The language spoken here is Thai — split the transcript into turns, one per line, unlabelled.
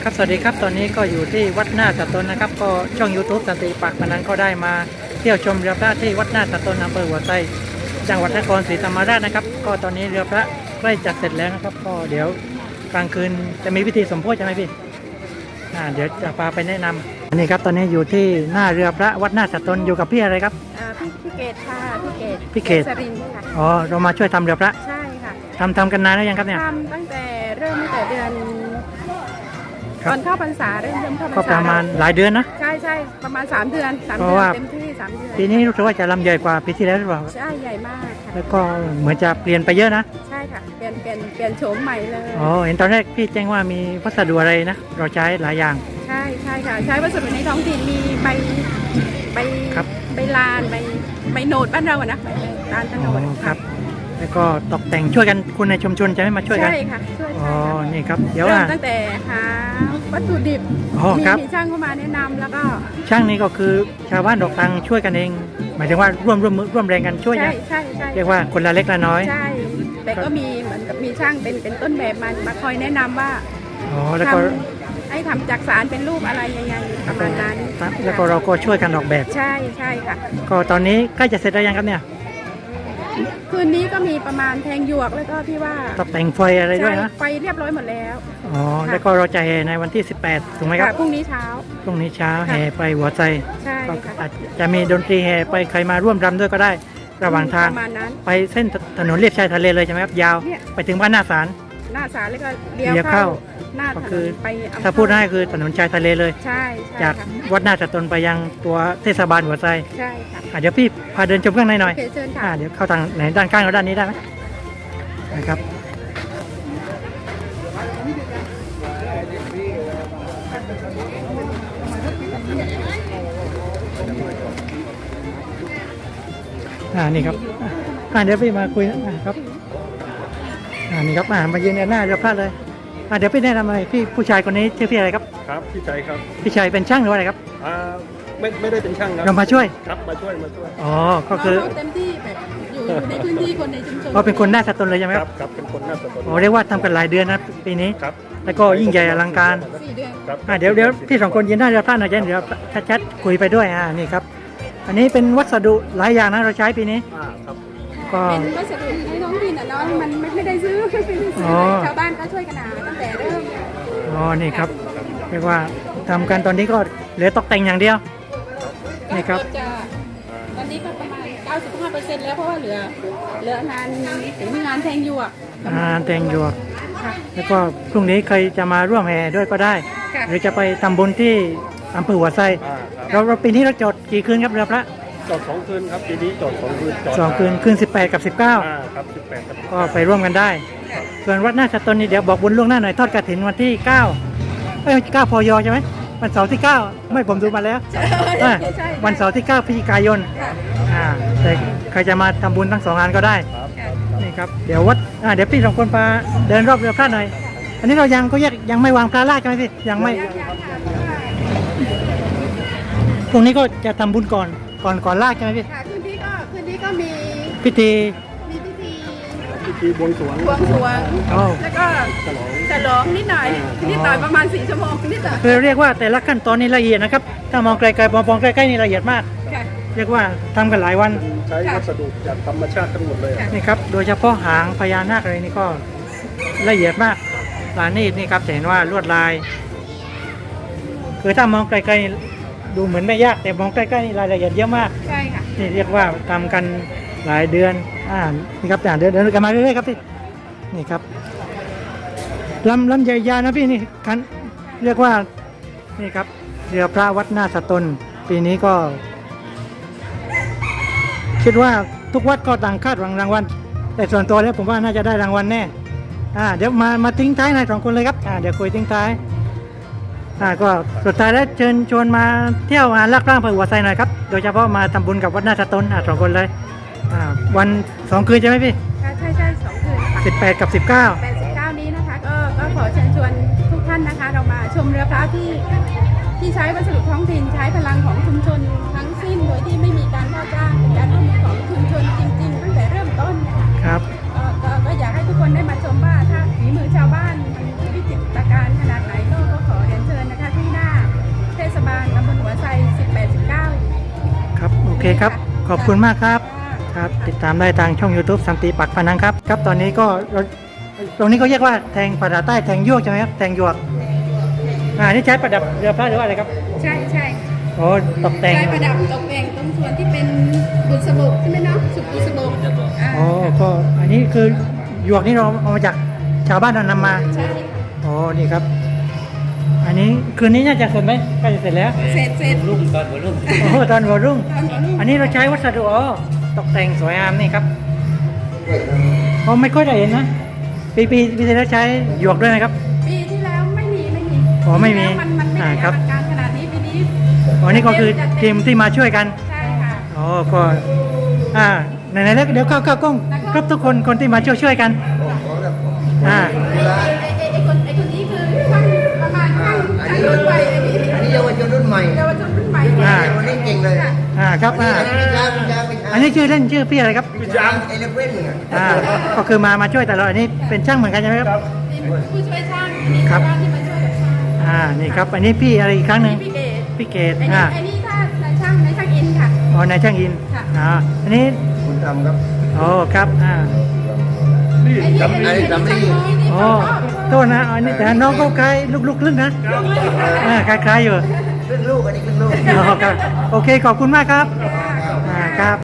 ครับสวัสดีครับตอนนี้ก็อยู่ที่วัดหน้าตะตนนะครับก็ช่อง YouTube สันติปากพนังก็ได้มาเที่ยวชมเรือพระที่วัดหน้าตะตนอำเภอหัวไซจังหวัดนครศรีธรรมราชนะครับก็ตอนนี้เรือพระใกล้จัดเสร็จแล้วนะครับก็เดี๋ยวกลางคืนจะมีพิธีสมโภชใช่ไหมพี่เดี๋ยวจะพาไปแนะนำอันนี้ครับตอนนี้อยู่ที่หน้าเรือพระวัดหน้าตะตนอยู่กับพี่อะไรครับ
พี่เกดค่ะ
พี่เกด
สรินทร์ค่ะ
อ๋อเรามาช่วยทำเรือพระ
ใช่ค่ะ
ทำกันนานแล้วยังครับเนี่ย
ทำตั้งแต่เดือนตอนเข้าพรรษาเริ่มเข้าพรรษา
ก็ประมาณหลายเดือนนะ
ใช่ประมาณ3 เดือน
เพราะว่า
เต็มที่3 เดือน
ปีนี้รู้สึกว่าจะลำใหญ่กว่าปีที่แล้วหรือเปล่า
ใช่ใหญ่มากค่ะ
แล้วก็เหมือนจะเปลี่ยนไปเยอะนะ
ใช่ค่ะเปลี่ยนโฉมใหม่เลย
อ๋อเห็นตอนแรกพี่แจ้งว่ามีวัสดุอะไรนะเราใช้หลายอย่าง
ใช่ค่ะใช้วัสดุในท้องถิ่นมีใบลานใบโหนดบ้านเราอะนะใบลานตะโหนด
ครับแล้วก็ตกแต่งช่วยกันคนในชุมชนจะไม่มาช่วยกัน
ใช่ค่ะช่วย
อ๋อนี่ครับเดี๋ยว
ตั้งแต่หาวัตถุดิบมีช่างเข้ามาแนะนำแล้วก็
ช่างนี้ก็คือชาวบ้านดอกตังช่วยกันเองหมายถึงว่าร่วมแรงกันช่วยนะ
ใช่
เรียกว่าคนละเล็กละน้อย
ใช่แต่ก็มีเหมือนกับมีช่างเป็นต้นแบบมาคอยแนะนำว่า
แล้วก็
ให้ทำจากสารเป็นรูปอะไรยังไงประมาณนั้น
แล้วก็เราก็ช่วยกันออกแบบ
ใช่ค่ะ
ก็ตอนนี้ใกล้จะเสร็จแล้วยังครับเนี่ย
คืนนี้ก็มีประมาณแทงหยวกแล้วก็พี่ว่า
ตกแต่งไฟอะไรด้วยนะ
ไฟเรียบร้อยหมดแล้ว
แล้วก็เราจะแห่ในวันที่18ถูกไหมครับ
พรุ่งนี้เช้า
แห่ไปหัวใจ
ใช่
อาจจะมีดนตรีแห่ไปใครมาร่วมรำด้วยก็ได้ระหว่างทางไปเส้นถนนเลียบชายทะเลเลยใช่ไหมครับยาวไปถึงบ้านหน้าศาล
แล้วก็เลี้ยวเข้าหน้าถนนไป
ถ้าพูดง่ายคือถนนชายทะเลเลย
ใช่
จากวัดหน้าตะตนไปยังตัวเทศบาลหัวไซ
ใช่ค่ะ
เดี๋ยวพี่พาเดินชมข้างในหน่อย
เชิญค่ะ
เดี๋ยวเข้าทางไหนด้านข้างหรือด้านนี้ได้ไหมนะครับนี่ครับเดี๋ยวพี่มาคุยนะครับนี่ครับมายืนหน้าเรือพระเลยเดี๋ยวพี่แนะนำอะไรพี่ผู้ชายคนนี้ชื่อพี่อะไรครับ
ครับพี่ชัยครับ
พี่ชัยเป็นช่างหรืออะไรครับ
ไม่ได้เป็นช่างครับ
เรามาช่วย
ครับมาช่วย
ก็คือ
เต็มที่แบบอยู่ในพื้นที่คนในชุมชน
เป็นคนหน้าตะตนเลยใช่ไหม
ครับเป็นคนหน้าตะตน
เรียกว่าทำกันหลายเดือนนะปีนี้
ครับ
แล้วก็ยิ่งใหญ่อลังการ
4 เดือน
เดี๋ยวพี่2 คนยืนหน้าเรือพระหน่อยเดี๋ยวชัดคุยไปด้วยนี่ครับอันนี้เป็นวัสดุหลายอย่างนะเราใช้ปีนี้
ครับ
ก็
เป็นวัสดุในท้องถิ่นเนาะมันไม่ได้ซื้อชาวบ้านก็ช่วยกันหาตั้งแต่เริ่ม
นี่ครับเรียกว่าทำกันตอนนี้ก็เหลือตกแต่งอย่างเดียวนี่ครับ
ตอนนี้ก็ประมาณ 95% แล้วเพราะว่าเหลืองานถึงงานแทงหยวก
แล้วก็พรุ่งนี้ใครจะมาร่วมแห่ด้วยก็ได้หรือจะไปทำบุญที่อำเภอหัวไซเราปีนี้เราจอดกี่คืนครับเรือพระ
จอด2 คืนครับปีนี้จอด2 คืน
คืน18กับ19
ครับ18ครับ
ก็ไปร่วมกันได้ส่วนวัดหน้าตะตนนี่เดี๋ยวบอกบุญล่วงหน้าหน่อยทอดกฐินวันที่9พยใช่ไหมวันเสาร์ที่9ไม่ผมดูมาแล้ววันเสาร์ที่9พฤศจิกายนแต่ใครจะมาทำบุญทั้ง2 งานก็ได้นี่ครับเดี๋ยวเดี๋ยวพี่2 คนพาเดินรอบเรือพระหน่อยอันนี้เรายังไม่วางพระลากใช่ไหมพี่ยังไม่พรุ่งนี้ก็จะทำบุญก่อนลากใช่ไหมพี่
คืนนี้ก็มี
พิธี
บวงสรวง
แล้วก็ฉลองนิดหน่อยประมาณ4 ชั่วโมงนิดหน่อย
คือเรียกว่าแต่ละขั้นตอนนี้ละเอียดนะครับถ้ามองไกลๆมองใกล้ๆนี่ละเอียดมากเรียกว่าทำกันหลายวัน
ใช้วัสดุจากธรรมชาติทั้งหมดเลย
นี่ครับโดยเฉพาะหางพญานาคอะไรนี่ก็ละเอียดมากลานนี่ครับเห็นว่าลวดลายคือถ้ามองไกลๆดูเหมือนไม่ยากแต่มองใกล้ๆนี่รายละเอียดเยอะมาก
ใช่ค่ะ
นี่เรียกว่าทำกันหลายเดือนนี่ครับเดินกันมาเรื่อยๆครับพี่นี่ครับลำใหญ่ยานะพี่นี่คันเรียกว่านี่ครับเรือพระวัดหน้าตะตนปีนี้ก็คิดว่าทุกวัดก็ต่างคาดหวังรางวัลแต่ส่วนตัวแล้วผมว่าน่าจะได้รางวัลแน่เดี๋ยวมาทิ้งท้ายนาย2 คนเลยครับเดี๋ยวคุยทิ้งท้ายก็สุดท้ายแล้วเชิญชวนมาเที่ยวงานลากร่างอำเภอหัวไซหน่อยครับโดยเฉพาะมาทำบุญกับวัดหน้าตะตน2 คนเลยวัน2 คืนใช่ไหมพี่
ใช่2 คืน
18กับ
19นี้นะคะก็ขอเชิญชวนทุกท่านนะคะเรามาชมเรือพระที่ใช้วัสดุท้องถิ่นใช้พลังของชุมชนทั้งสิ้นโดยที่ไม่มีการว่าจ้างเป็นการร่วมมือของชุมชนจริงๆตั้งแต่เริ่มต้นนะคะ
ครับ
ก็อยากให้ทุกคนได้มาชมว่าถ้าฝีมือชาวบ้านมันวิจิตรการขนาดไหนก็ขอเรียน
เคครับ ขอบคุณมากครับ ครับ ติดตามได้ทางช่อง YouTube สันติปักพนังครับ ครับ ตอนนี้ก็ตรงนี้ก็เรียกว่าแทงประดับใต้แทงยวกใช่ไหมครับ แทงยวก นี่ใช้ประดับเรือพระหรือว่าอะไรครับ
ใช่ใช่
โอ้ตกแต่ง
ใช้ประดับตกแต่งตรงส่วนที่เป็นบุษบกใช่ไหมเนาะสุบุษบกอ่า
อ๋อ ก็อันนี้คือหยวกนี่เราเอามาจากชาวบ้านนำมา
ใช่
อ๋อ นี่ครับ อันนี้คืนนี้น่าจะเสร็จไหมใกล้จะเสร็จแล้ว
เสร็จเสร็จ
รุ่งตอนหัวรุ่ง
โอ้ตอนหัวรุ่ง
ตอนหัวรุ่ง
อันนี้เราใช้วัสดุตกแต่งสวยงามนี่ครับไม่ค่อยได้เห็นนะ ปีที่แล้วใช้หยวกด้วยนะครับ
ปีที่แล้วไม่มี
อ๋อไม่มี
ปีที่แล้วมันไม่ได้
ค
อ
รับ
ลังการขนาดนี้ปีนี้
อ๋อนี่ก็คือทีมที่มาช่วยกัน
ใช่ค่ะ
อ๋อ ก็ไหนๆแล้วเดี๋ยวเข้ากล้องครับทุกคนที่มาช่วยกัน
ไอ้คนนี้คือช่างประมาณช่างรุ่นใหม่
อันนี้เยาวชนรุ่นใหม่
เยาวชนรุ่นใหม่
วันนี้เก่งเลย
ครับ อันนี้ชื่อพี่อะไรครับ
พี่จามเอเลเว่นเนี่ย
ก็คือมาช่วยแต่เราอันนี้เป็นช่างเหมือนกันใช่ไหมครับ
ผู้ช่วยช่างอันนี้ชาวบ้านที่มาช่วยกับช่าง
นี่ครับ อันนี้พี่อะไรอีกครั้งหนึ่ง
พี่เกด
พี่เกด
ไอ้นี่ถ้านายช่างอินค่ะ
อ๋อนายช่างอิน
ค่ะ
อันนี้
คุณทำครับ
อ๋อครับ
นี่
ไอ้นี่
จำ
ไอ้
นี่
นี่ช่างน้อยที่
อ๋อ
เขาชอบ
โทษนะอันนี้แต่น้องก็คล้ายลูกๆครึ่งนะคล้ายๆอยู่
ครึ่งลูกอันนี้ครึ่งลูก
อ๋อครับโอเคขอบคุณมากครับครับ